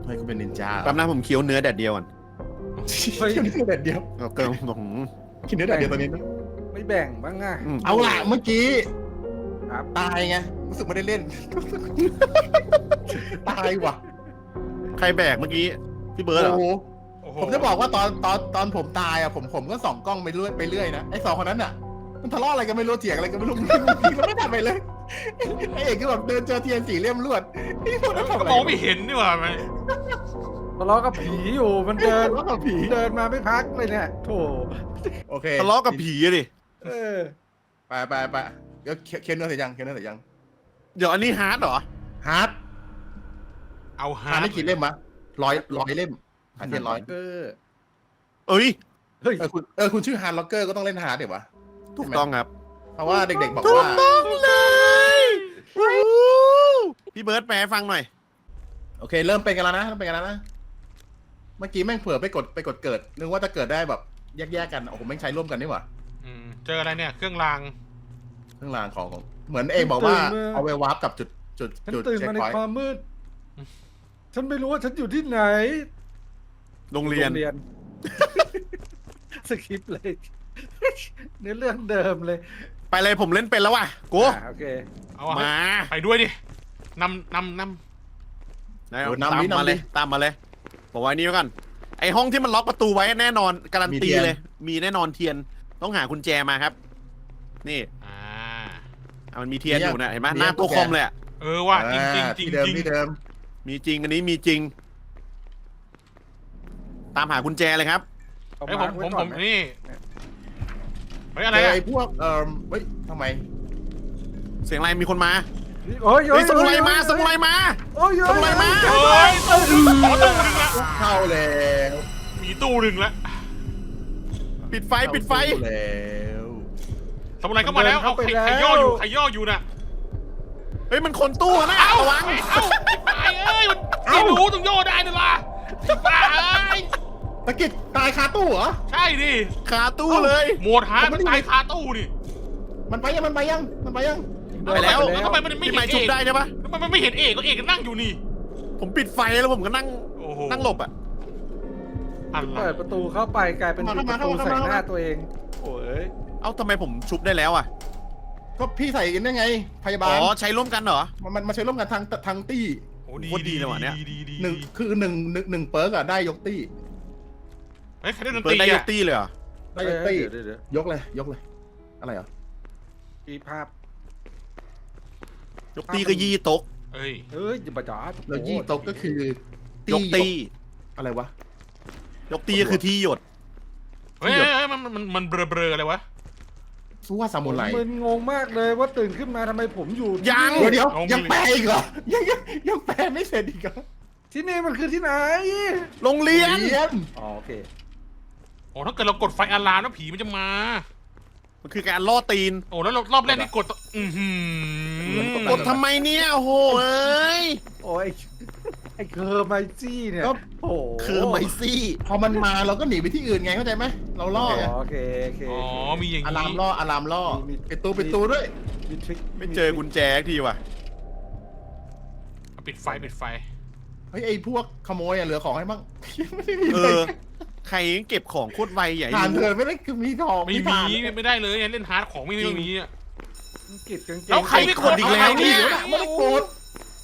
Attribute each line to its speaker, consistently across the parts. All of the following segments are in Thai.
Speaker 1: ให้เขาเป็นนินจา
Speaker 2: แป๊บนะผมเคี้ยวเนื้อแดดเดียวก่อน
Speaker 1: เฮ้ยเนื้อแดดเดียว
Speaker 2: เอาเกินผม
Speaker 1: กินเนื้อแดดเดียวตอนนี้นะ
Speaker 3: ไม่แบ่งบ้างอ่ะ
Speaker 1: เอาล่ะเมื่อกี้
Speaker 3: ครับ
Speaker 1: ตายไงรู้สึกไม่ได้เล่น ตายว่ะ
Speaker 2: ใครแบกเมื่อกี้พี่เบิร์ดเหรอ
Speaker 1: โอ้โห
Speaker 4: โอ้โห
Speaker 1: ผมจะบอกว่าตอนผมตายอ่ะผมก็ส่องกล้องไปเรื่อยนะไอ้สองคนนั้นอ่ะมันทะเลาะอะไรกันไม่รู้เถียงอะไรกันไม่รู้มันไม่ทำอะไรเลยไอ้เอกก็แบบเดินเจอเทียนสี่เล่มลวดไอ้พวกนั้นทำอะไร
Speaker 4: ก็มองไม่เห็นนี่หว่าไหม
Speaker 3: ทะเลาะกับผีอยู่มันเดิน
Speaker 1: ทะเลาะกับผี
Speaker 3: เดินมาไม่พักเลยเนี่ยโถ
Speaker 1: โอเค
Speaker 2: ทะเลาะกับผีอะดิ
Speaker 3: เออ
Speaker 1: ไปเดี๋ยวเคนเนื้อเสร็จยังเคนเนื้อเสร็จยัง
Speaker 2: เดี๋ยวอันนี้ฮาร์ดเหรอ
Speaker 1: ฮาร์ด
Speaker 4: เอาฮา
Speaker 1: ฮาร์ด
Speaker 4: ร์ด
Speaker 1: ได้กี่เล่มมะร้อยเล่มฮาร์ดเทียนร้อย
Speaker 3: เออ
Speaker 2: เอ้ย
Speaker 3: เฮ้ย
Speaker 1: คุณชื่อฮาร์ดล็อกเกอร์ก็ต้องเล่นฮาร์ดเดี๋ยววะ
Speaker 2: ถูกต้องครับ
Speaker 1: เพราะว่าเด็กๆบอก
Speaker 2: ถูก
Speaker 1: ว่า
Speaker 2: ต้องเลยพี่เบิร์ดแปลให้ฟังหน่อย
Speaker 1: โอเคเริ่มเป็นกันแล้วนะเมื่อกี้แม่งเผื่อไปกดเกิดนึกว่าจะเกิดได้แบบแยกๆกันโอ้โหแม่งใช้ร่วมกันนี่หว่า
Speaker 4: เจออะไรเนี่ยเครื่องราง
Speaker 1: เครื่องรางของเหมือนเอกบอกว่าเอาไว้วาร์ปกับจุด
Speaker 3: ฉัน
Speaker 1: จุด
Speaker 3: ตื่น
Speaker 1: เช็ค
Speaker 3: มาใน
Speaker 1: พอยต์
Speaker 3: ความมืด ฉันไม่รู้ว่าฉันอยู่ที่ไหน
Speaker 2: โรงเรียน
Speaker 3: สคริปต์เลย เนื้อเรื่องเดิมเลย
Speaker 2: ไปเลยผมเล่นเป็นแล้วว่ะกู
Speaker 3: โอเค
Speaker 4: เอาอะ
Speaker 2: มา
Speaker 4: ไปด้วยดินำ
Speaker 2: ตามมาเลยตามมาเลยบอกไว้นี่ไว้ก่อนไอห้องที่มันล็อกประตูไว้แน่นอนการันตีเลย มีแน่นอนเทียนต้องหากุญแจมาครับ นี่
Speaker 4: อ่า
Speaker 2: มันมีเทียนอยู่นะเห็นไหมหน้าตัวคอมเลยอะ
Speaker 4: เออว่าจริงจริงจริง
Speaker 1: ที่เดิม
Speaker 4: จริง
Speaker 1: ที่เดิม
Speaker 2: มีจริงอันนี้มีจริง ตามหากุญแจเลยครับ
Speaker 3: เอา
Speaker 4: ไอ้ย
Speaker 3: มา
Speaker 4: ผม
Speaker 3: ไว้ก่อนไหม
Speaker 4: นี่เฮ้ยอะไร
Speaker 1: เจอ
Speaker 4: อะ
Speaker 1: ไอ้พวกเฮ้ยทำไม
Speaker 2: เสียงอะไรมีคนมา
Speaker 3: โอ้ย
Speaker 2: เฮ้ยสมุไรมาสมุไรมา
Speaker 3: โอ้ย
Speaker 2: สมุไรมา
Speaker 4: เฮ้ยตู้หนึ่งละ
Speaker 1: เข้าแล้ว
Speaker 4: มีตู้หนึ่งละ
Speaker 2: ปิดไฟปิดไฟ
Speaker 1: เข้าแล้ว
Speaker 4: สมุไรก็มาแล้วเอาใครย่ออยู่น่ะ
Speaker 2: เฮ้ยมันคนตู้นะระวัง
Speaker 4: ตายเอ้ยไม่รู้ต้องย่อได้นี่ล่ะตาย
Speaker 1: ตะกิดตายคาตู้เหรอ
Speaker 4: ใช่ดิ
Speaker 2: คาตู้เลย
Speaker 4: โหมดฮาร์ดมันตายคาตู้ดิ
Speaker 1: มันไปยัง
Speaker 2: ไปแล้ว
Speaker 4: ทำไมมันไม่
Speaker 2: พี่
Speaker 4: เห็
Speaker 2: ไม้
Speaker 4: น
Speaker 2: ชุบ
Speaker 4: เอก
Speaker 2: ได้ใช่ปะ
Speaker 4: ทำไมมันไม่เห็นเอกก็เอกก็นั่งอยู่นี่
Speaker 2: ผมปิดไฟแล้วผมก็นั่ง
Speaker 4: โอ้โห
Speaker 2: นั่งหลบอ่ะ
Speaker 4: อะไร
Speaker 3: เปิดประตูเข้าไปกลายเป็นปิดประตูใส่หน้าตัวเอง โอ้ย
Speaker 2: เอ้าทำไมผมชุบได้แล้วอ่ะ
Speaker 1: ก็พี่ใส่กันได้ไง พยาบา
Speaker 2: อ๋
Speaker 1: ล
Speaker 2: อใช้ร่วมกันเหรอ
Speaker 1: มันมาใช้ร่วมกันทางตี้
Speaker 4: โอ้
Speaker 2: โคตรดีเลยว่ะเนี่ย
Speaker 4: ดี
Speaker 1: หนึ่งเปิร์กอะได้ยกตี้
Speaker 4: เฮ้ยใครได้ดน
Speaker 2: เปิ
Speaker 4: ต
Speaker 2: ด
Speaker 4: รี
Speaker 2: ได้ย
Speaker 4: อะ
Speaker 2: กตี้เลยเหรอ
Speaker 1: ได้ยกตี้
Speaker 3: เดี๋ยว
Speaker 1: ยกเลยอะไรเหรอ
Speaker 3: มีภาพ
Speaker 2: ยกตี้ก็ยี่โต๊ะ
Speaker 4: เอ้ย
Speaker 3: เฮ้ยอย่าประจาด
Speaker 1: แล้วยี่โต๊ะก็คือย
Speaker 2: กตี้
Speaker 1: อะไรวะ
Speaker 2: ยกตี้ก็คือที่หยด
Speaker 4: เฮ้ยมันเบลออะไรวะ
Speaker 1: สู้ว่าซามูไร
Speaker 3: มึนงงมากเลยว่าตื่นขึ้นมาทำไมผมอยู่ที่
Speaker 2: ยัง
Speaker 3: นี่
Speaker 1: เดี๋ยวยังแปลอีกเหรอยังแปลไม่เสร็จอีกเหรอ
Speaker 3: ที่นี่มันคือที่ไหน
Speaker 2: โรงเรียน
Speaker 1: เรียน
Speaker 3: อ๋อโอเค
Speaker 4: โอ้ถ้าเกิดเรากดไฟอะลามแล้วผีมันจะมา
Speaker 2: มันคือการล่อตีน
Speaker 4: โอ้แล้วรอบแรกนี่กด
Speaker 2: กดทำไมเนี่ยโอ้โหเอ้ย
Speaker 3: โอ้ยไอ้เคอร์ไมซี่เนี่ยโอ้โห
Speaker 2: คือไมซี่
Speaker 1: พอมันมาเราก็หนีไปที่อื่นไงเข้าใจไหมเราล่อไง
Speaker 3: โอเค
Speaker 4: อ๋อมีอย่าง
Speaker 1: อะ
Speaker 4: นี้
Speaker 1: ลามล่อปิดตูด้วย
Speaker 3: มีทริค
Speaker 2: ไม่เจอกุญแจสักทีว่ะ
Speaker 4: ปิดไฟ
Speaker 1: เฮ้ยไอ้พวกขโมยอะเหลือของให้บ้างไม่ได้มี
Speaker 2: เอ
Speaker 1: เลย
Speaker 2: อ ใครเก็บของโคตรไวใหญ่
Speaker 1: ทานเธอไม่ได้คือมีทอง
Speaker 4: ไม่
Speaker 1: ทาน
Speaker 4: มีไม่ได้เลยเล่นฮาร์ดของไม่มีอ่ะ
Speaker 3: กิดกางเกง
Speaker 4: แล้วใครไม่กดอีกแล้วเนี่ย
Speaker 1: ไม่ได้กด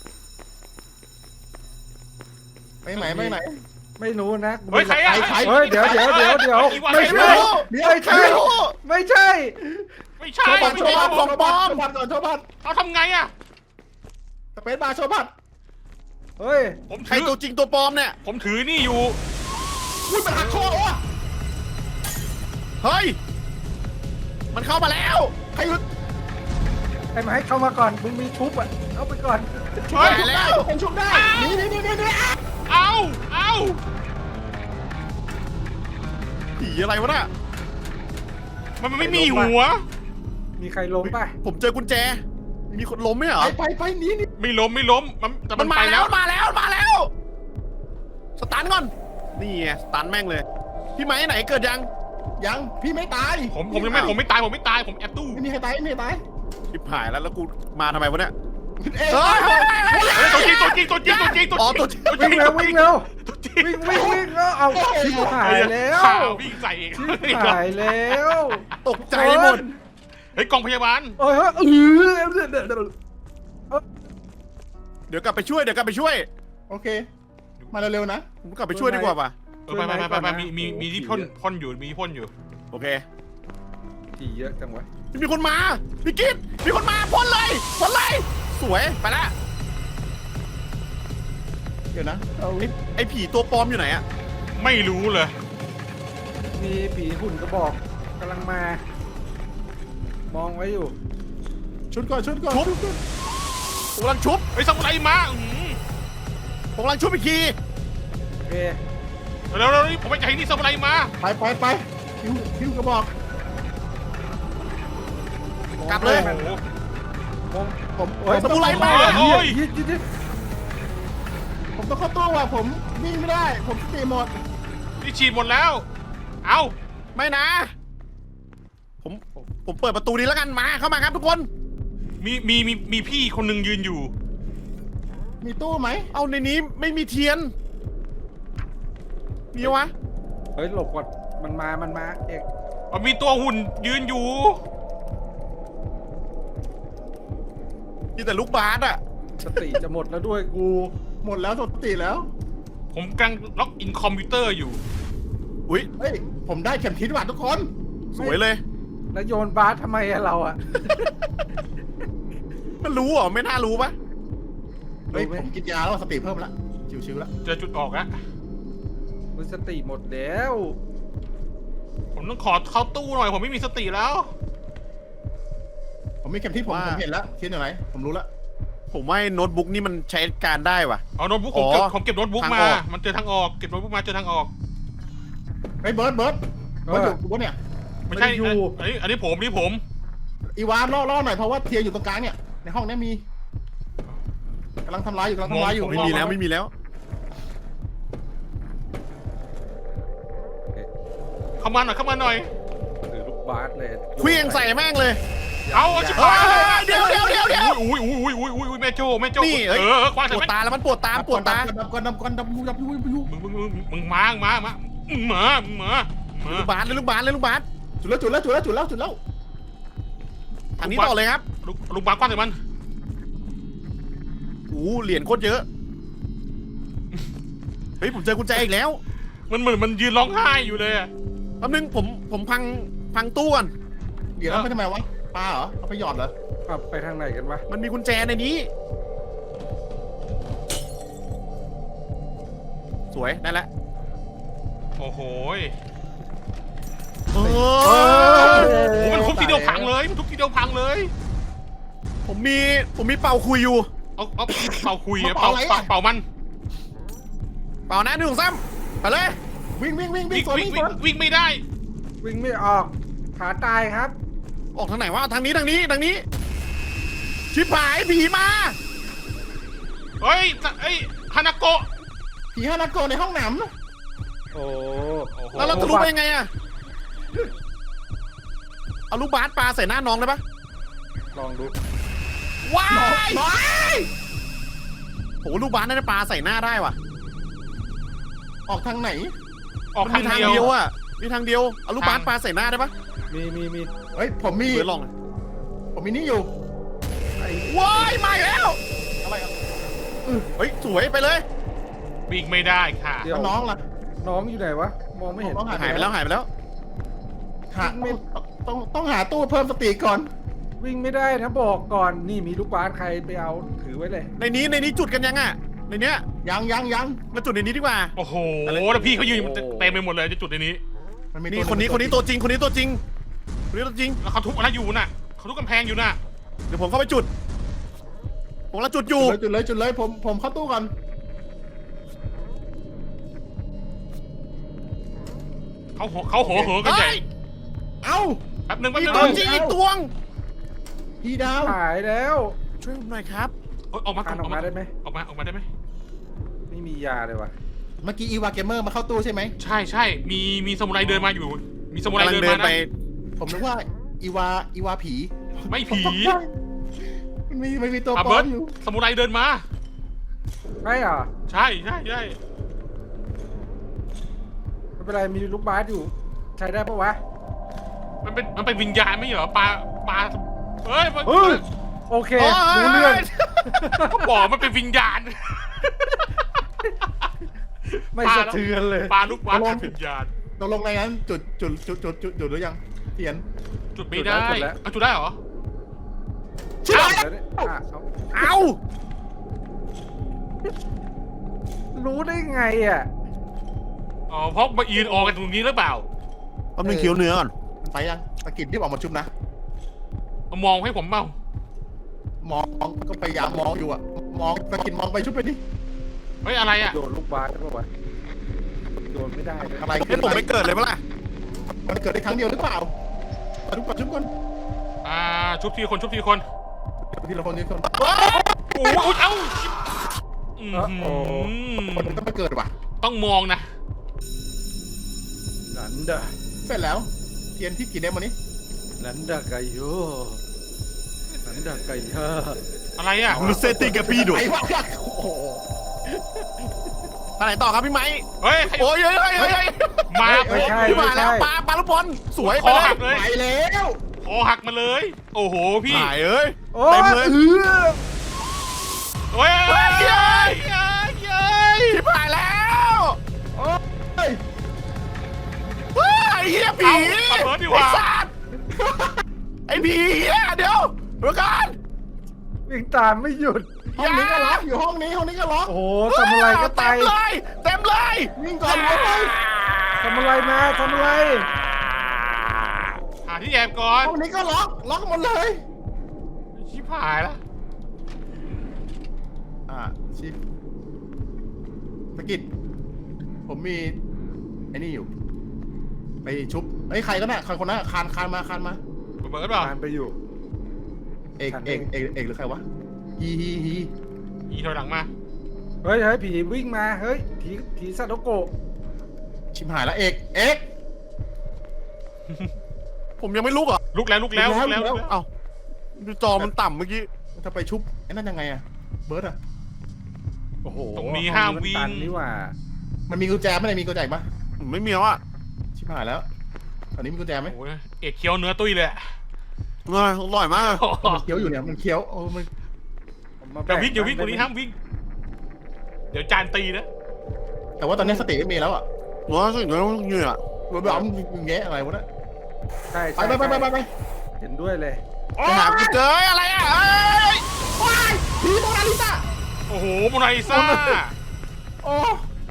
Speaker 1: ไปไหน
Speaker 3: ไม่รู้นะ
Speaker 4: เฮ้ยใครอ่ะ
Speaker 3: เฮ้ยเดี๋ยวไม่ใช่ ไม่ใช่ ไม่ใช่
Speaker 4: ไม่ใช่
Speaker 1: โชว์บัตรของปลอมก่อนโชว์บัตร
Speaker 4: เขาทำไงอ่ะ
Speaker 1: สเปซบาร์โชว์บัตร
Speaker 3: เฮ้ย
Speaker 4: ผม
Speaker 2: ใคร
Speaker 4: ถือ
Speaker 2: ตัวจริงตัวปลอมเนี่ย
Speaker 4: ผมถือนี่อยู่
Speaker 1: อุ้ยมันหักคอวะ
Speaker 2: เฮ้ย มันเข้ามาแล้ว
Speaker 1: ใครหยุด
Speaker 3: ไอ้ไม้เข้ามาก่อน มึงมีชุบอ่ะ เอาไปก่อน
Speaker 4: เฮ้ย
Speaker 1: ชุบได้ผมชุบได้นี่
Speaker 4: เอา
Speaker 2: ผีอะไรวะน่ะ
Speaker 4: มันไม่มีหัว
Speaker 3: มีใครล้มป่ะ
Speaker 2: ผมเจอกุญแจ มีคนล้มไหมเหรอ
Speaker 1: ไปนี่
Speaker 4: ไม่ล้มแต่
Speaker 2: มั
Speaker 4: มัน น
Speaker 2: มา
Speaker 4: ไป
Speaker 2: แล้
Speaker 4: แล้ว ว
Speaker 2: มาแล้ว สตันก่อน นี่ไงสตันแม่งเลย พี่ไม้ไหนเกิดยัง
Speaker 1: ยังพี่ไม่ตาย
Speaker 4: ผมยังไม่ผมไม่ตายผมแอบตู้
Speaker 1: ไม่มีใครตาย
Speaker 2: ชิบหายแล้วกูมาทำไมวะเนี่ย
Speaker 1: เอ๊ะ
Speaker 2: เฮ้ย
Speaker 4: ตัวจริงตัวจริงตัวจริงตัวจริง
Speaker 2: อ๋อ
Speaker 4: ตัว
Speaker 2: ตัว
Speaker 4: จริง
Speaker 3: วิ่งเร็ววิ่งเร็ว
Speaker 4: ตัวจริง
Speaker 3: วิ่งแล้วเอาชิบหายแล้ว
Speaker 4: ข่าววิ่งใส่เอง
Speaker 3: ชิบหายแล้ว
Speaker 2: ตกใจหมด
Speaker 4: เฮ้ยกองพยาบาล
Speaker 3: เฮ้ยเฮ้ย
Speaker 2: เดี๋ยวกลับไปช่วยเดี๋ยวกลับไปช่วย
Speaker 1: โอเค มาเร็วๆนะ
Speaker 2: ผมกลับไปช่วยดีกว่าป่ะ
Speaker 4: ไปมีที่พ่นอยู่มีพ่นอยู่
Speaker 2: โอเค
Speaker 3: ผีเยอะจังวะ
Speaker 2: มีคนมาพี่กิ๊ดมีคนมาพ่นเลยพ่นเลยสวยไปละ
Speaker 1: เดี๋ยวนะเอา
Speaker 2: ไอ้ผีตัวปลอมอยู่ไหนอะ
Speaker 4: ไม่รู้เลย
Speaker 3: มีผีหุ่นกระบอกกำลังมา มองไว้อยู่
Speaker 1: ชุดก่อนชุดก่อน
Speaker 2: ผมกำลังชุบ
Speaker 4: ไอ้ซามูไรมา
Speaker 2: ผมกำลังชุบอีกที
Speaker 3: โอเค
Speaker 4: เร็วๆผมไปจ่ายนี่ซามูไรมา
Speaker 1: ไปพิวกระบอก
Speaker 2: กลับเลย
Speaker 4: โอ้โห
Speaker 3: มอง
Speaker 1: ผม
Speaker 3: โอ้ย
Speaker 2: สมุไรมา
Speaker 4: โอ้ย
Speaker 3: ยิด
Speaker 1: ผมต้องเข้าตู้ว่ะผมวิ่งไม่ได้ ผมสติหมด
Speaker 4: นี่ฉีดหมดแล้ว เอา
Speaker 2: ไม่นะ ผมเปิดประตูนี้แล้วกันมาเข้ามาครับทุกคน
Speaker 4: มีพี่คนหนึ่งยืนอยู่
Speaker 1: มีตู้ไหม
Speaker 2: เอาในนี้ไม่มีเทียนมีวะ
Speaker 3: เฮ้ยหลบก่อนมันมาเอก
Speaker 4: มีตัวหุ่นยืนอยู่
Speaker 2: มีแต่ลูกบาสอะ
Speaker 3: สติจะหมดแล้วด้วยกู
Speaker 1: หมดแล้วสติแล้ว
Speaker 4: ผมกำลังล็อกอินคอมพิวเตอร์อยู่
Speaker 2: อุ้ย
Speaker 1: เฮ้ยผมได้เข็มทิศว่ะทุกคน
Speaker 2: สวยเลย
Speaker 3: แล้วโยนบาสทำไมอะเราอะ
Speaker 2: มันรู้เหรอไม่น่ารู้ปะ
Speaker 1: เฮ้ยผมกินยาแล้วสติเพิ่มละชิวๆแล้ว
Speaker 4: เจอจุดออกแล้ว
Speaker 3: มันสติหมดแล้ว
Speaker 4: ผมต้องขอเข้าตู้หน่อย ผมไม่มีสติแล้ว
Speaker 1: ผมมีเข็มทิศผมเห็นแล้วทิศอยู่ไหนผมรู้แล้ว
Speaker 2: ผมว่าโน้ตบุ๊กนี่มันใช้การได้ว่ะ
Speaker 4: เอาโน้ตบุ๊กผมเก็บโน้ตบุ๊ก
Speaker 2: ทาง
Speaker 4: มา
Speaker 2: ออก
Speaker 4: มันเจอทางออก เก็บโน้ตบุ๊กมาเจอทางออก
Speaker 1: เฮ้ยเบิร์ดอยู่เนี่ย
Speaker 4: ไม่ใช่อันนี้ผม
Speaker 1: อีวานล่อหน่อยเพราะว่าเทียอยู่ตรงกลางเนี่ยในห้องนี้มีกำลังทำร้ายอยู่
Speaker 2: ไม่มีแล้วไม่มีแล้ว
Speaker 4: เข้ามาหน่อย
Speaker 3: ถือลูกบาสเลย
Speaker 2: เคลี้ยงใส่แม่งเลย
Speaker 4: เอาชิบ
Speaker 2: เฮ้
Speaker 4: หาย
Speaker 2: ยเดี๋ยว
Speaker 4: อุ้ยแม่โจ้
Speaker 2: นี่เอ้ย
Speaker 4: คว้า
Speaker 2: ป
Speaker 4: ใส่
Speaker 2: วด
Speaker 4: แม่
Speaker 2: ตาแล้วมันปวดตาปวดตา
Speaker 1: ดับยู
Speaker 4: มึงมา
Speaker 2: ลูกบาสเลยลูกบาสเลยลูกบาส
Speaker 1: จุดแล้ว
Speaker 2: อันนี้ต่อเลยครับ
Speaker 4: ลูกบาสคว้าใส่มัน
Speaker 2: โอ้เหรียญโคตรเยอะเฮ้ยผมเจอกุญแจอีกแล้ว
Speaker 4: มันเหมือนมันยืนร้องไห้อยู่เลยอะ
Speaker 2: แป๊บนึงผมพังตู้ก่อน
Speaker 1: เดี๋ยวเราไปทำไมวะปลาเหรอเอาไปหยอดเหรอ
Speaker 3: ขับไปทางไหนกันวะ
Speaker 2: มันมีกุญแจในนี้ สวยได้แล้ว
Speaker 4: โอ้โห
Speaker 2: โอ้
Speaker 4: มันทุบทีเดียวพังเลย
Speaker 2: ผมมีเป่าคุยอยู่
Speaker 4: เอาเป่าคุยเป่ามัน
Speaker 2: เป่านะ1 2 3ไปเลย
Speaker 1: วิ่ง
Speaker 4: วิ่งไม่ได้
Speaker 3: วิ่งไม่ออกขาตายครับ
Speaker 2: ออกทางไหนวะทางนี้ชิบหายผีมา
Speaker 4: เฮ้ยฮานาโกะ
Speaker 1: ผีฮานาโกะในห้องน้ำนะ
Speaker 3: โอ้
Speaker 2: แล้วเราจะรู้ได้ไงอะเอาลูกบาสปลาใส่หน้าน้องได้ปะ
Speaker 3: ลองดู
Speaker 2: ว้าย
Speaker 1: บอย
Speaker 2: โหลูกบาสน่าจะปลาใส่หน้าได้ว่ะ
Speaker 1: ออกทางไหน
Speaker 4: ออก
Speaker 2: มัน
Speaker 4: ทาง
Speaker 2: มีทาง
Speaker 4: เดี
Speaker 2: เดี
Speaker 4: ย
Speaker 2: ยว วอะมีทางเดียวเอาลูกบาสปลาใส่หน้าได้ปะ
Speaker 3: มี
Speaker 1: เฮ้ยผมมี
Speaker 2: เดี๋ยวลอง
Speaker 1: ผมมีนี่อยู่
Speaker 2: ว้ายมาอีกแล้ว
Speaker 1: อะไรอ่ะ
Speaker 2: เฮ้ยสวยไปเลย
Speaker 4: วิ่งไม่ได้ค่ะ
Speaker 3: เดี๋ยว
Speaker 1: น้องล่ะ
Speaker 3: น้องอยู่ไหนวะ มองไม่เห็น
Speaker 2: หายไปแล้ว
Speaker 1: ต้องหาตู้เพิ่มสติก่อน
Speaker 3: วิ่งไม่ได้นะบอกก่อนนี่มีลูกบาสใครไปเอาถือไว้เลย
Speaker 2: ในนี้จุดกันยังอะในเนี้ย
Speaker 1: ยัง
Speaker 2: มาจุดในนี้ดีกว่า
Speaker 4: โอ้โหแล้วพี่เขายืนเต็มไปหมดเลยจะจุดในนี้
Speaker 1: มันมี
Speaker 2: นี่คนนี้ตัวจริงแล้ว
Speaker 4: เขาทุบอะไรอยู่น่ะเขาทุบกำแพงอยู่น่ะ
Speaker 2: เดี๋ยวผมเข้าไปจุดผมละจุดอยู่
Speaker 1: จุดเลยผมเข้าตู้ก่อน
Speaker 4: เขาโหกันใหญ่
Speaker 1: เอ้า
Speaker 4: แป๊บนึง
Speaker 2: มีตัวจริงอีกตวง
Speaker 1: พี่ดาว
Speaker 3: หายแล้ว
Speaker 2: ช่วยผมหน่อยครับ
Speaker 4: ออกมา
Speaker 3: ออกมาได้ไหม
Speaker 4: ออกมาได้ไหม
Speaker 3: ไม่มียาเลยวะ
Speaker 1: เมื่อกี้อีวาเกมเมอร์มาเข้าตู้ใช่ไหม
Speaker 4: ใช่มีสมุไรเดินมาอยู่มีสมุไร
Speaker 2: กำลัง
Speaker 4: เดิน
Speaker 2: เดิ
Speaker 4: มาน
Speaker 2: ไป
Speaker 4: นะ
Speaker 1: ผมนึกว่าอีวาผี
Speaker 4: ไม่ผี
Speaker 1: ไม่มีตัว
Speaker 4: อ่ะ
Speaker 1: ปล
Speaker 4: เบิ
Speaker 1: อ
Speaker 4: ร์
Speaker 1: ม
Speaker 4: ด
Speaker 1: อยู่
Speaker 4: สมุไรเดินมา
Speaker 3: ใช่เหรอ
Speaker 4: ใช่
Speaker 3: ไม่เป็นไรมีลูกบาสอยู่ ใช้ได้ปะวะ
Speaker 4: มันเป็นวิญญาณไม่เหรอปลาเฮ้ยมัน
Speaker 3: เฮ้ยโอเครู้เรื่อง
Speaker 4: ก็บอกมันเป็นวิญญาณ
Speaker 3: ไม่สะเทือนเลย
Speaker 4: ปลาลูกบาสเป็นวิญญาณ
Speaker 1: ตกลงในนั้นจุดหรือยังเทียน
Speaker 4: จุดไม่ได้เอาจุดได้เหรอ
Speaker 3: แล้วเนี่ยเอา
Speaker 2: เอ้า
Speaker 3: รู้ได้ไงอ่ะ
Speaker 4: อ๋อเพราะมายืนออกกันตรงนี้หรือเปล่า
Speaker 2: แป๊บนึงเคี้ยวเนื้อก่อน
Speaker 1: ไปยังตะกิดรีบออกมาชุบนะ
Speaker 4: มองให้ผมเมาม
Speaker 1: องก็พยายามมองอยู่อะมองตะกิดมองไปชุบไปดิ
Speaker 4: เฮ้ยอะไรอ่ะ
Speaker 3: โดนลูกบาสได้ปะวะโดนไม่ได้เลย
Speaker 1: อะไร
Speaker 2: ให้ผมไม่เกิดเลยปะล่ะ
Speaker 1: มันเกิดได้ครั้งเดียวหรือเปล่ามาชุบก่อนชุบก่อน
Speaker 4: ชุบทีคน
Speaker 1: ทีละคนทีละคน
Speaker 4: โอ้ยเอ้า
Speaker 1: คนมันต้องไปเกิดว่ะ
Speaker 4: ต้องมองนะ
Speaker 3: นันดา
Speaker 1: เสร็จแล้วเทียนที่กี่เดมวันนี้
Speaker 3: นันดาไกโยนันดาไกยา
Speaker 4: อะไรอ่ะ
Speaker 2: ลูเซติกับพี่ดุ
Speaker 1: ไอ้วะโอ้โห
Speaker 2: ไปไหนต่อครับพี่ไม้
Speaker 4: เฮ้ย
Speaker 2: โอ้ยเฮ้ย
Speaker 4: มา
Speaker 3: ไม่ใช่
Speaker 2: พี่
Speaker 3: ไม่
Speaker 2: มาแล้
Speaker 3: ใช่
Speaker 2: วปลาลูกบอลสวย
Speaker 4: ค
Speaker 2: ไป
Speaker 4: อ
Speaker 2: เล
Speaker 4: หั
Speaker 2: ย
Speaker 4: กเลย
Speaker 1: ไปแล้ว
Speaker 4: คอหักมาเลย โอ้โหพี่
Speaker 2: หายเอ้ย
Speaker 3: โอ้
Speaker 2: เต็มเลย
Speaker 4: เฮ้ย
Speaker 2: เฮ้ย
Speaker 4: เย้ย
Speaker 2: ชิบหายแล้ว
Speaker 1: โอ้ย
Speaker 2: เฮ้ยไอ้เหี้ยผี
Speaker 4: เอาเบิร์ดดีก
Speaker 2: ไอ้
Speaker 4: ว่า
Speaker 2: สัตว์ไอ้ผีเหี้ยเดี๋ยวก่อน
Speaker 3: วิ่งตามไม่หยุด
Speaker 1: ห้องนี้ก็ล็อกอยู่ห้องนี้ก็ล็อก
Speaker 3: โอ้โหทำอะไรก็ตาย
Speaker 2: เต็มเลย
Speaker 1: วิ่งก่อนเลย
Speaker 3: ทำอะไรมาทำอะไร
Speaker 4: หาที่แอบก่อน
Speaker 1: ห้องนี้ก็ล็อกหมดเลย
Speaker 4: ชิบหายละ
Speaker 1: ชิปตะกิดผมมีไอ้นี่อยู่ไปชุบไอ้ยใครก็น่ะใครคนนั้นคานมา
Speaker 4: เบิร์ดเปล่า
Speaker 3: ทานไปอยู่
Speaker 1: เอกหรือใครวะฮี
Speaker 4: อีถอยหลังมา
Speaker 3: เฮ้ยผีวิ่งมาเฮ้ยผีซาโตโกะ
Speaker 1: ชิมหายแล้วเอก
Speaker 2: ผมยังไม่ลุกเหรอ
Speaker 4: ลุกแล้ว
Speaker 2: เอ้าดูจอมันต่ำเมื่อกี้
Speaker 1: จะไปชุบไอ้นั่นยังไงอะเบิร์ดอะ
Speaker 3: โอ้โห
Speaker 4: ตรงนี้ห้ามวิ่
Speaker 3: ตั
Speaker 4: ง
Speaker 3: นนี่หว่า
Speaker 1: มันมีกุญแจไหมมีกุญแจอีกปะ
Speaker 2: ไม่มีแล้วอ่ะ
Speaker 1: ชิมหายแล้วตอนนี้มีกุญแจไหม
Speaker 4: โอ้ยเอกเคี้ยวเนื้อตุ้ยเลยอะ
Speaker 2: อร่อยมาก
Speaker 1: มันเคี้ยวอยู่เนี่ยมันเคี้ยวมัน
Speaker 3: ผมมา
Speaker 4: อย่า
Speaker 3: แบ่
Speaker 4: วิ่งตรงนี้ห้ามวิ่ง เดี๋ยวจานตีนะ
Speaker 1: แต่ว่าตอนนี้สติไม่มีแล้วอะ
Speaker 2: ว้าสิ่งนี้ต้องเหนื่อย
Speaker 1: เราแบบมึงแงะอะไรวะเนี่ย
Speaker 3: ใช่
Speaker 1: ไป
Speaker 3: เห็นด้วยเลย
Speaker 2: ไปหากูเจออะไรอ่ะเอ้ย
Speaker 1: ว้ายผีโมนาลิซา
Speaker 4: โอ้โหโมนาลิซา
Speaker 1: โอ้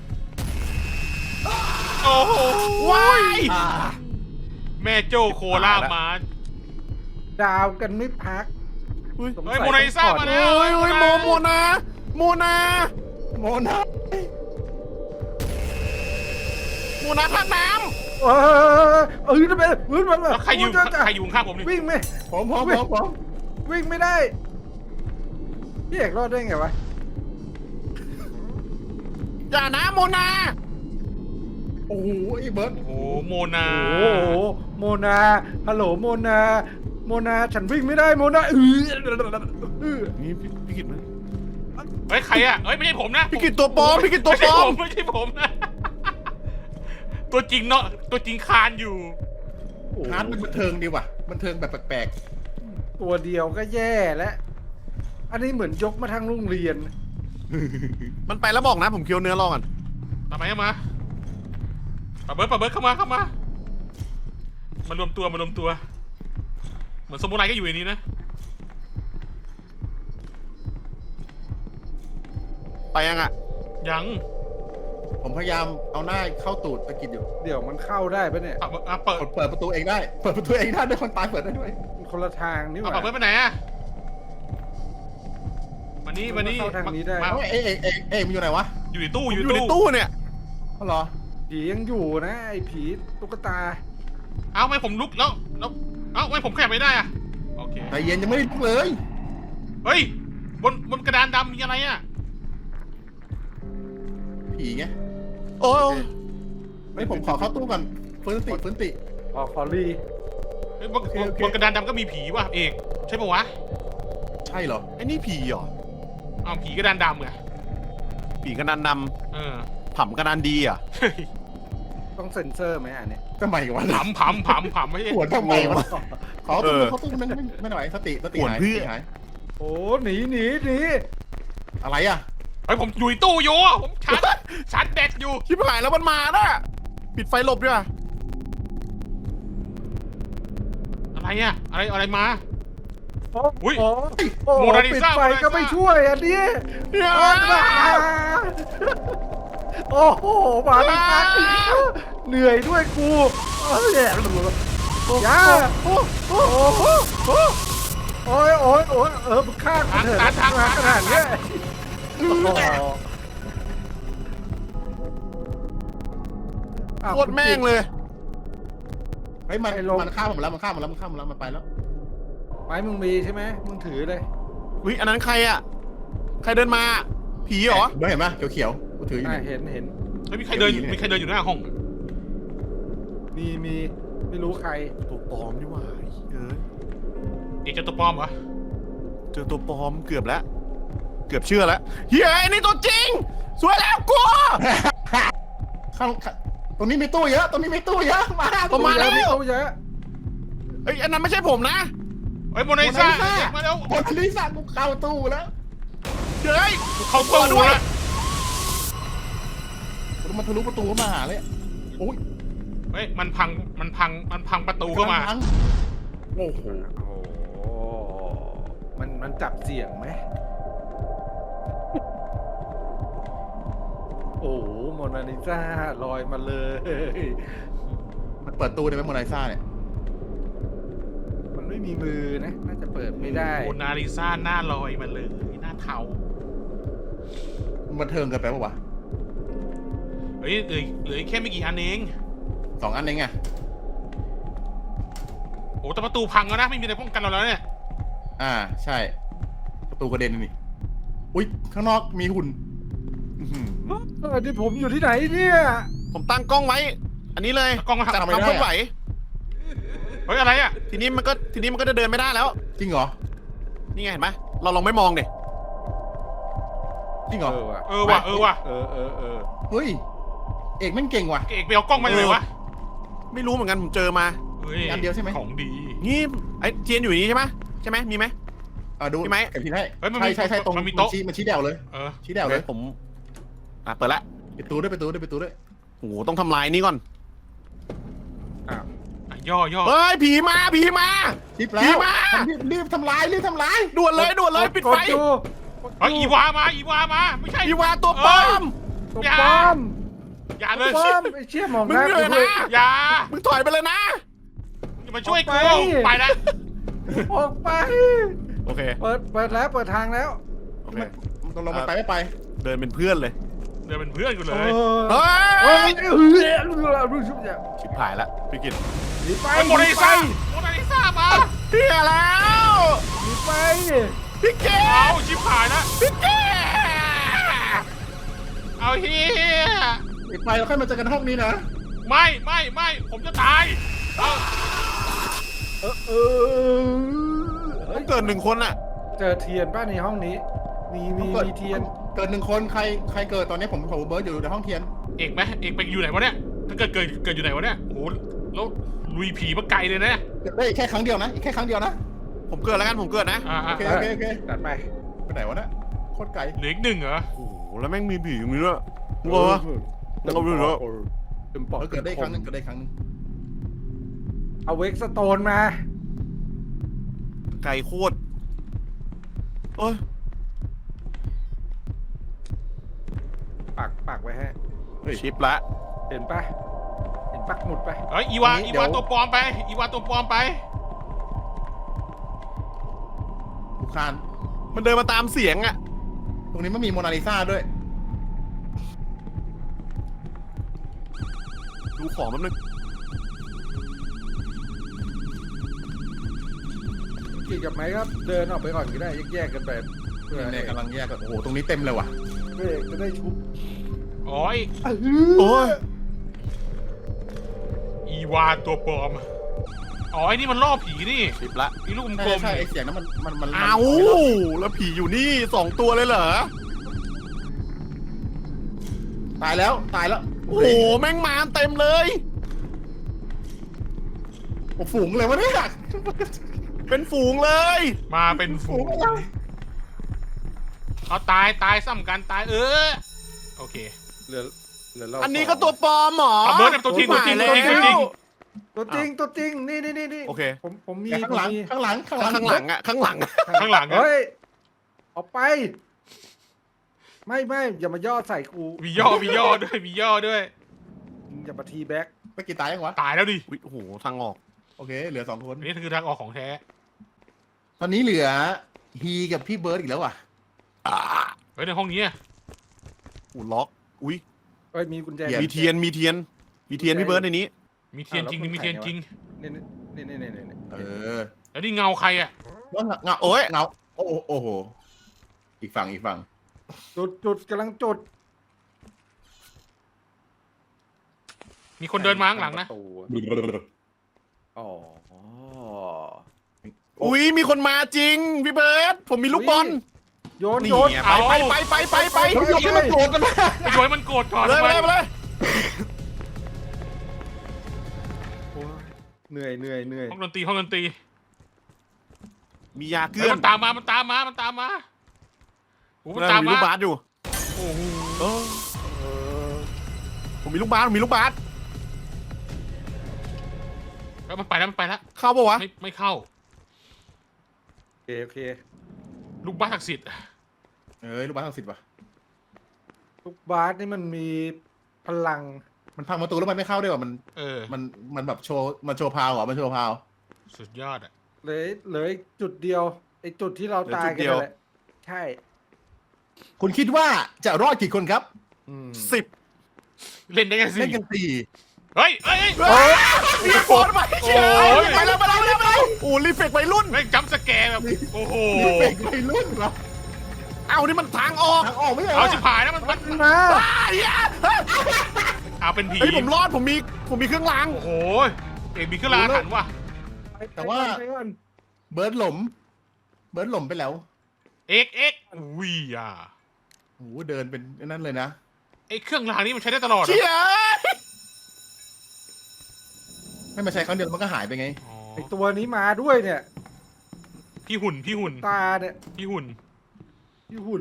Speaker 4: โอ้โห
Speaker 2: ว้าย
Speaker 4: แม่โจ้โคล่ามา
Speaker 3: ดาวกันไม่พัก
Speaker 2: เฮ้ย
Speaker 3: สง
Speaker 4: เฮ้
Speaker 3: สั
Speaker 4: ยโมนาลิซามาแล้ว
Speaker 2: โอ้ยโมนา
Speaker 1: โมนา
Speaker 2: ท่าน้
Speaker 3: ทำไมวิ่งมา
Speaker 4: แล้วใครอยู่ข้างผมนี่
Speaker 3: วิ่งไหม
Speaker 1: ผม
Speaker 3: วิ่งไม่ได้พี่เอกรอดได้ไงวะ
Speaker 2: ำอย่านะโมนา
Speaker 1: โอ้โหไอ้เบิร์ด
Speaker 4: โอ้โหโมนา
Speaker 3: โอ้โหโมนาฮัลโหลโมนาฉันวิ่งไม่ได้โมนา
Speaker 2: นี่พี่กิตไหม
Speaker 4: เฮ้ยใครอ่ะเฮ้ยไม่ใช่ผมนะ
Speaker 2: พี่กิตตัวปลอมพี่กิตตัวปลอม
Speaker 4: ไม่ใช่ผมนะ ตัวจริงเนาะตัวจริงคานอยู่
Speaker 1: ฮาร์ดมันบันเทิงดีว่ะบันเทิงแบบแปลก
Speaker 3: ตัวเดียวก็แย่แล้วอันนี้เหมือนยกมาทางโรงเรียน
Speaker 2: มันไปแล้วบอกนะผมเคี้ยวเนื้อรอกัน
Speaker 4: ทำไมมาปะเบิร์ดเข้ามารวมตัว เหมือนสมุไรก็อยู่ในนี้นะ
Speaker 2: ไปยังอ่ะ
Speaker 4: ยัง
Speaker 1: ผมพยายามเอาหน้าเข้าตูดตะกิดอยู่
Speaker 3: เดี๋ยวมันเข้าได้ปะเนี่ย
Speaker 4: เปิด
Speaker 1: เปิดประตูเองได้ด้วยคนตายเปิดได้ด้วย
Speaker 3: มันคนละทางนี่หว่า
Speaker 4: ปะเบิร์ดไปไหนอะมานี่
Speaker 3: เข้าทางนี้ได้
Speaker 4: มา
Speaker 1: เอ้มันอยู่ไหนวะ
Speaker 4: อยู่ในตู้
Speaker 2: อยู่ในตู้เนี่ย
Speaker 1: อ๋อเหรอ
Speaker 3: ผียังอยู่นะไอ้ผีตุ๊กตา
Speaker 4: เอ้าไม่ผมลุกแล้วเอ้าไม่ผมขยับไม่ได้อะโอเค
Speaker 1: ใจเย็นยังไม่ได้ลุกเลย
Speaker 4: เฮ้ยบนกระดานดำมีอะไรอะ
Speaker 1: ผีไง
Speaker 2: โอ้ย
Speaker 1: ไม่ผมขอเข้าตู้ก่อนฟื้นติ
Speaker 3: ขอรี
Speaker 4: เฮ้ยบนกระดานดำก็มีผีว่ะเอกใช่ปะวะ
Speaker 1: ใช่เหรอ
Speaker 2: ไอ้นี่ผีเหรอ
Speaker 4: อ้าวผีกระดานดำไง
Speaker 2: ผีกระดานด
Speaker 4: เออ
Speaker 2: ำผำกระดานดีอ่ะ
Speaker 4: เฮ้ย
Speaker 3: ต้องเซ็นเซอร์ไหมอันเนี้ย
Speaker 1: ทำไมวะ
Speaker 4: ผำไม่ใช่
Speaker 1: ปวดทำไมวะขอตู้เขาตู้นึงไม่หน่อยสติหายสติหาย
Speaker 3: โอ้หนี
Speaker 1: อะไรอ่ะ
Speaker 4: เฮ้ยผมอยู่ในตู้อยู่ผมชาร์จแบตอยู่
Speaker 2: ชิบหายแล้วมันมาน่ะปิดไฟหลบด้วย
Speaker 4: อะไรอะอะไรมา
Speaker 3: โอ้
Speaker 4: อุ๊ย
Speaker 3: โอ้โอ้
Speaker 4: โมนาลิ
Speaker 3: ปิด
Speaker 4: ซ่า
Speaker 3: ไฟก็ไม่ช่วยอันนี้
Speaker 2: เนี่ย
Speaker 3: โอ้โหมาไม่ทันเหนื่อยด้วยกูอย่าโอ้ยมึงฆ่ากูเถอะมาขนาดเนี้ย
Speaker 2: โคตรแม่งเลย
Speaker 1: เฮ้ยมันฆ่าผมแล้วมันฆ่าผมแล้วมันไปแล้ว
Speaker 3: ไม้มึงมีใช่ไหมมึงถือเลย
Speaker 2: อุ้ยอันนั้นใครอ่ะ ใครเดินมา ผีเหรอ
Speaker 1: ไม่เห็นปะเขียวกูถืออยู่
Speaker 3: เห็น
Speaker 4: เฮ้ยมีใครเดินอยู่หน้าห้อง
Speaker 3: มีไม่รู้ใคร
Speaker 2: ตัวปลอมนี่หว่าเอ้ย
Speaker 4: เอกเจอตัวปลอมเหรอ
Speaker 2: เจอตัวปลอมเกือบแล้ว เกือบเชื่อแล้วเฮ้ยไอ้นี่ตัวจริง สวยแล้วกู
Speaker 1: ข้างตรงนี้มีตู้เยอะตรงนี้มีตู้เยอะมา
Speaker 2: ผมมาแล้ว
Speaker 3: เยอะ
Speaker 2: เฮ้ยอันนั้นไม่ใช่ผมนะ
Speaker 4: เฮ้ยโมนาลิซาเด็กมาแล้ว
Speaker 1: โมนาลิซากูเข้าตู้แล้ว
Speaker 2: เฮ้ย
Speaker 4: เขาตู้ด้วย
Speaker 1: มันทะลุประตูเข้ามาหาเลยโอ้ย
Speaker 4: เฮ้ยมันพังประตูเข้ามา
Speaker 1: โอ้โห
Speaker 3: โอ้มันจับเสียงไหมโอ้โมนาลิซาลอยมาเลย
Speaker 1: มันเปิดตู้ได้ไหมโมนาลิซาเนี่ย
Speaker 3: มันไม่มีมือนะน่าจะเปิดไม่ได้
Speaker 4: โมนาลิซาหน้าลอยมาเลยหน้าเทา
Speaker 1: มันเทิงกันไปปะวะ
Speaker 4: เฮ้ยเหลือแค่ไม่กี่อันเอง
Speaker 1: 2 อันเองไง
Speaker 4: โอ้แต่ประตูพังแล้วนะไม่มีอะไรป้องกันเราแล้วเนี่ย
Speaker 1: ใช่ประตูกระเด็นนี่อุ้ยข้างนอกมีหุ่น
Speaker 3: ที่ผมอยู่ที่ไหนเนี่ย
Speaker 2: ผมตั้งกล้องไว้ อันนี้เลย
Speaker 4: กล้องมาหัก
Speaker 2: จับความเคลื่อนไหว
Speaker 4: เฮ้ยอะไรอะ
Speaker 2: ทีนี้มันก็จะเดินไม่ได้แล้ว
Speaker 1: จริงเหรอ
Speaker 2: นี่ไงเห็นไหมเราลองไม่มองดิ
Speaker 1: จริงเหรอ
Speaker 4: เออว่ะ
Speaker 1: เฮ้ยเอกแม่งเก่งว่ะ
Speaker 4: เอกไปเอากล้องมาจากไหนวะ
Speaker 2: ไม่รู้เหมือนกันผมเจอมา
Speaker 4: ฮ้
Speaker 1: อันเดียวใช่ไหม
Speaker 4: ของดี
Speaker 2: นี่ไอ้เทียนอยู่นี่ใช่ไหมมีไหม
Speaker 1: ดู
Speaker 2: พี่ไม้
Speaker 1: เก็บทีให้
Speaker 4: เฮ้ยมันมี
Speaker 1: ใช่ตรง
Speaker 4: มันมีโต๊ะ
Speaker 1: มันชี้แดวเลย
Speaker 4: เออ
Speaker 1: ชี้แดวเลย
Speaker 2: ผมเปิดละ
Speaker 1: ปิดตู้ด้วย
Speaker 2: โอ้โหต้องทำลายนี่ก่อน
Speaker 4: อ่ะย่อ
Speaker 2: เฮ้ยผีมา
Speaker 1: ชิปแล้ว
Speaker 2: ผีมา
Speaker 1: รีบทำลาย
Speaker 2: ด่วนเลยปิดไฟ
Speaker 4: เฮ้ยอีวามาไม่ใช่
Speaker 2: อีวาตัวปลอม
Speaker 3: ตัวปลอม
Speaker 4: อย่าเลย
Speaker 3: ตัวปลอมไอ้เชี่ยมองห
Speaker 2: มึง
Speaker 3: น้า
Speaker 2: เหนื่
Speaker 3: กู
Speaker 2: อย
Speaker 3: ด้วย
Speaker 2: นะ
Speaker 4: อย่า
Speaker 2: มึงถอยไปเลยนะ
Speaker 4: อย่ามาช่วยกู
Speaker 3: ออกไป
Speaker 4: ไปแล้ว
Speaker 3: ออกไป
Speaker 2: โอเค
Speaker 3: เปิดแล้วเปิดทางแล้ว
Speaker 2: โอเค
Speaker 1: มันตกลงมันไปไม่ไป
Speaker 2: เดินเป็นเพื่อนเลย
Speaker 4: เดินเป็นเพื่อนกูเลย
Speaker 2: เฮ้
Speaker 3: เฮ้
Speaker 2: ย
Speaker 3: ย
Speaker 2: ชิบหายละพี่กิต
Speaker 3: หนีไป
Speaker 4: โมนาลิซามา
Speaker 2: เฮียแล้ว
Speaker 3: หนีไป
Speaker 2: พี่เก
Speaker 4: เอาชิบหายแล้ว
Speaker 2: พี่เก
Speaker 4: เอาเฮีย
Speaker 1: ไปเราค่อยมาเจอกันห้องนี้นะ
Speaker 4: ไม่ผมจะตายเอา
Speaker 2: ต้องเกิด1 คนอ่ะ
Speaker 3: เจอเทียนป้าในห้องนี้ มีเทียน
Speaker 1: เกิด1 คนใครเกิดตอนนี้ผมเบิร์ดอยู่ในห้องเทียน
Speaker 4: เอกไปอยู่ไหนวะเนี่ยถ้าเกิดอยู่ไหนวะเนี่ยโอ้แล้วลุยผีมาไกลเลยนะ
Speaker 1: เกิดได้แค่ครั้งเดียวนะอีกแค่ครั้งเดียวนะ
Speaker 2: ผมเกิดแล้วกันผมเกิดนะ
Speaker 1: โอเค
Speaker 3: ตัดไป
Speaker 1: ไปไหนวะเนี่ยโคตรไกล
Speaker 4: เหลืออีก1เหรอ
Speaker 2: โอ้โหแล้วแม่งมีผีอย่างนี้ด้วยงงวะ เราไม่รู้แล้ว
Speaker 3: เต็มปอด
Speaker 1: เกิดได้ครั้งหนึง
Speaker 3: เอาเวกสโตนมา
Speaker 2: ไก่โคตรโอ้ย
Speaker 3: ปักไว้ให้
Speaker 2: ชิปละ
Speaker 3: เห็นปะเห็นปักหมุดไป
Speaker 4: เฮ้ยอีวาตัวปลอมไป
Speaker 1: ทุกคาน
Speaker 2: มันเดินมาตามเสียงอ่ะ
Speaker 1: ตรงนี้ไม่มีโมนาลิซาด้วย
Speaker 2: ดูของแป๊บนึง
Speaker 3: กี่กับไหมครับเดินออกไปก่อนก็ได้แยกกันไปเพื่อ
Speaker 1: เนี่ยกำลังแยกกันโอ้โหตรงนี้เต็มเลยว่ะ
Speaker 3: เพื่อจะได้ชุบ
Speaker 4: โอ้ย
Speaker 2: โอ้ย
Speaker 4: อีวาตัวปลอมอ๋อไอ้นี่มันล่อผีนี่
Speaker 2: สิบละ
Speaker 4: มีลูกก
Speaker 1: ใช่
Speaker 4: ลม
Speaker 1: ใช่
Speaker 4: ๆ
Speaker 1: ไอ
Speaker 4: นี่
Speaker 1: เสียงนั้นมัน
Speaker 2: เอาแล้วผีอยู่นี่2 ตัวเลยเหรอ
Speaker 1: ตายแล้วตายแล้ว
Speaker 2: โอ้โหแม่งมาเต็มเลย
Speaker 1: โอ้ฝูงเลยวะเนี่ย
Speaker 2: เป็นฝูงเลย
Speaker 4: มาเป็นฝูงเอาตายซ้ำกันตายโอเค
Speaker 3: เหลือเรา
Speaker 2: อันนี้ก็ตัวปลอมเหรอ
Speaker 4: เอาเบิร์ดกับตัวจริงตัวจริง
Speaker 2: แล้
Speaker 4: ตัวจริง
Speaker 3: ตัวจริงตัวจริงนี่
Speaker 2: โอเค
Speaker 3: ผมมี
Speaker 1: ข้างหลังข้างหลังข้างหลัง
Speaker 2: ข้างหลังอะข้างหลังอะ
Speaker 4: ข้างหลังอะ
Speaker 3: เฮ้ยออกไป ไม่อย่ามาย่อใส่กู
Speaker 4: มีย่อด้วยมีย่อด้วย
Speaker 3: อย่ามาทีแบ็ก
Speaker 1: ไปกี่ตายยังวะ
Speaker 4: ตายแล้วดิ
Speaker 2: อุ๊ยโอ้โหทางออก
Speaker 1: โอเคเหลือ2 คน
Speaker 4: อันนี้คือทางออกของแท้
Speaker 1: ตอนนี้เหลือฮีกับพี่เบิร์ดอีกแล้วว่ะ
Speaker 4: เฮ้ยในห้องนี้อะ
Speaker 2: อูล็อก อุ้ย
Speaker 3: เอ้ยมีกุญแจ
Speaker 2: มีเทียนพี่เบิร์ดในนี้
Speaker 4: มีเทียนจริงมีเทียนจริง
Speaker 3: นี่
Speaker 1: เออ
Speaker 4: แล้วนี่เงาใครอะ
Speaker 1: เงาโอ้ยเงาโอ้โหอีกฝั่ง
Speaker 3: จุดกำลังจุด
Speaker 4: มีคนเดินมาข้างหลังนะ
Speaker 3: ประตูอ๋อ
Speaker 2: อุ้ยมีคนมาจริงพี่เบิร์ดผมมีลูกบอล
Speaker 3: โยน
Speaker 2: นี่
Speaker 3: โยน
Speaker 2: ไง
Speaker 4: เอา
Speaker 2: ไป
Speaker 1: เฮ้ยยังไม่โกรธกันนะ
Speaker 4: ไอ้โยยมันโกรธก่อน
Speaker 2: เลย
Speaker 4: ทำ
Speaker 2: ไป
Speaker 4: ไม
Speaker 2: เลยไปเลย
Speaker 3: โอ้ยเหนื่อย
Speaker 4: ห้องดนตรี
Speaker 2: มียาเกลื
Speaker 4: เฮ้ย
Speaker 2: อน
Speaker 4: มันตามมาโอ้มันตาม
Speaker 2: มี
Speaker 4: มา
Speaker 2: ลูกบาสอยู่
Speaker 4: โอ้โห
Speaker 2: ผมมีลูกบาส
Speaker 4: แล้วมันไปแล้ว
Speaker 2: เข้าปะวะ
Speaker 4: ไม่เข้า
Speaker 3: โอเค
Speaker 4: ลูกบ้าศักดิ์สิทธิ์
Speaker 1: ลูกบ้าน60ว่ะ
Speaker 3: ลูกบาสนี่มันมีพลัง
Speaker 1: มันพังประตูแล้วมันไม่เข้าด้วยว่ะมันแบบโชว์พาวเหรอมันโชว์พาว
Speaker 4: สุดยอดอะ
Speaker 3: เลยจุดเดียวไอ้จุดที่เราตายกันนั่นแหละใช่
Speaker 1: คุณคิดว่าจะรอดกี่คนครับ
Speaker 2: 10
Speaker 4: เล่นได้แค่
Speaker 1: เล่น
Speaker 4: 4
Speaker 1: กัน4
Speaker 4: เฮ้ย
Speaker 2: มีโฟนไปเชีย
Speaker 4: โอ้ย
Speaker 2: ไปแล้วโอ้รีเฟกวัยรุ่น
Speaker 4: แม่งจัมป์สแกร์แบบโอ้โห
Speaker 1: นี่เป็นวัยรุ่นเหรอ
Speaker 2: เอานี่มันทางออก
Speaker 1: ทางออกไม่ใช่เหร
Speaker 4: เอา
Speaker 1: อ
Speaker 4: ชิบหายแล้วมัน
Speaker 3: มา
Speaker 4: เอาเป็นผี
Speaker 2: เฮ้ยผมรอดผมมีเครื่องราง
Speaker 4: โอ้โหเอกมีเครื่องรางอาถรรพ์ว่ะ
Speaker 1: แต่ว่า
Speaker 3: ไปก่อน
Speaker 1: เบิร์ดหลมไปแล้ว
Speaker 4: เอกอุ้ยอ่ะ
Speaker 1: โอ้โหเดินเป็นนั่นเลยนะ
Speaker 4: ไอ้เครื่องรางนี้มันใช้ได้ตลอดเหรอ
Speaker 2: เชีย
Speaker 1: ไม่มาใช้ครั้งเดียวมันก็หายไปไง
Speaker 4: อ๋อ
Speaker 3: ไอ้ตัวนี้มาด้วยเนี่ย
Speaker 4: พี่หุ่น
Speaker 3: ตาเนี่ย
Speaker 4: พี่หุ่น
Speaker 3: พี่หุ่น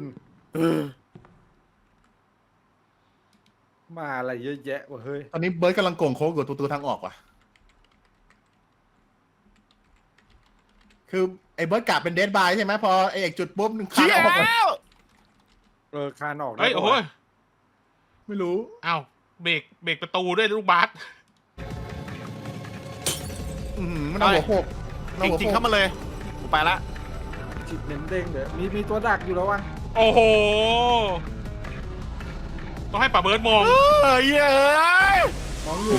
Speaker 3: มาอะไรเยอะแยะวะเฮ้ย
Speaker 1: ตอนนี้เบิร์ดกำลังโก่งโค้งอยู่ตัวทางออกว่ะ คือไอ้เบิร์ดกะเป็นเดดบายใช่ไหมพอไอ้เอกจุดปุ๊บคา
Speaker 2: เชี
Speaker 1: น
Speaker 2: ย
Speaker 1: ออกเลย
Speaker 3: คานออกได้
Speaker 4: เฮ้ยโอ้โห
Speaker 1: ไม่รู้
Speaker 4: อ้าวเบรกประตูด้วยลูกบาส
Speaker 1: มันเอาหัวโขกมัน
Speaker 2: จ
Speaker 1: เอาหัว
Speaker 2: ริง
Speaker 1: โข
Speaker 2: ๆ
Speaker 1: ก
Speaker 2: เข้ามาเลยผมไปละ
Speaker 3: จิตเน้นเด้งเดี๋ยวมีตัวดักอยู่แล้ววะ
Speaker 4: โอ้โหต้องให้ป่าเบิร์ดมอง
Speaker 2: เฮ้ยเอ้ย
Speaker 3: มองอยู่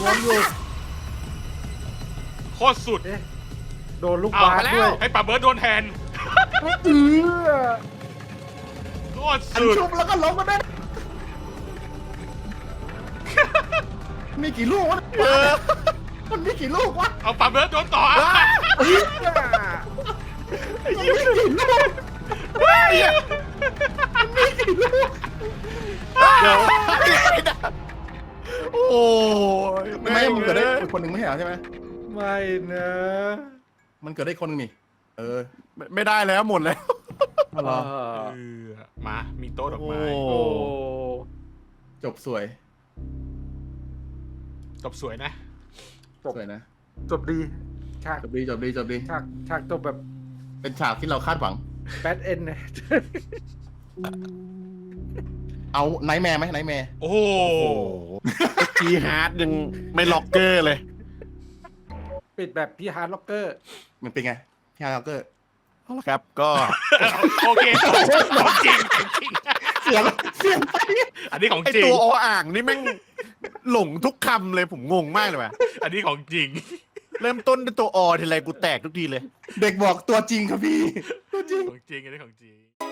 Speaker 4: โคตรสุด
Speaker 3: เอ๊ะโดนลูก
Speaker 4: เอา
Speaker 3: บาส
Speaker 4: ไปแล้
Speaker 3: ด้ว
Speaker 4: วย ให้ป่าเบิร์ดโดนแทน
Speaker 3: เออ
Speaker 4: โคตร
Speaker 1: อัน
Speaker 4: สุด
Speaker 1: ชุบแล้วก็ล้มกันได้มีกี่ลูกวะมันมีกี่ลูกวะ
Speaker 4: เอาป่าเบิร์ดโดนต่ออ่ะ
Speaker 1: มันมีกี่ลูก
Speaker 2: เฮ้ย
Speaker 1: มีกี่ลูก
Speaker 2: เดี๋ยวโอ้ย
Speaker 1: ไม่มันเกิดได้คนหนึ่งไม่ใช่เหรอใช่ไหม
Speaker 3: ไม่นะ
Speaker 1: มันเกิดได้คนหนึงนี่
Speaker 2: ไม่ได้แล้วหมดแล้ว
Speaker 1: อ๋อเหรอ
Speaker 4: มามีโต๊ะดอกไม้
Speaker 3: โอ้
Speaker 1: จบสวย
Speaker 4: จบสวยนะ
Speaker 1: สวยนะ
Speaker 3: จบดีฉาก
Speaker 1: จบดีจบดีจบดี
Speaker 3: ฉากจบแบบ
Speaker 1: เป็นฉากที่เราคาดหวัง
Speaker 3: แบดเอ็นเนี่ย
Speaker 1: เอาไนท์แมร์ไหมไนท์แมร์
Speaker 4: โอ้โห
Speaker 2: จีฮาร์ดยังไม่ล็อกเกอร์เลย
Speaker 3: ปิดแบบพี่ฮาร์ดล็อกเกอร์
Speaker 1: มันเป็นไงพี่ฮาร์เกอร์
Speaker 2: เอาละครับก็
Speaker 4: โอเคของจริงของจริง
Speaker 1: เสียงไป
Speaker 4: อันนี้ของ
Speaker 2: ไอ
Speaker 4: จริง
Speaker 2: ตัวออ่างนี่แม่งหลงทุกคำเลยผมงงมากเลยว่ะ
Speaker 4: อันนี้ของจริง
Speaker 2: เริ่มต้นด้วยตัวอทีไรกูแตกทุกทีเลย
Speaker 1: เด็กบอกตัวจริงครับพี่ ตัวจริง
Speaker 4: ของจริงอันนี้ของจริง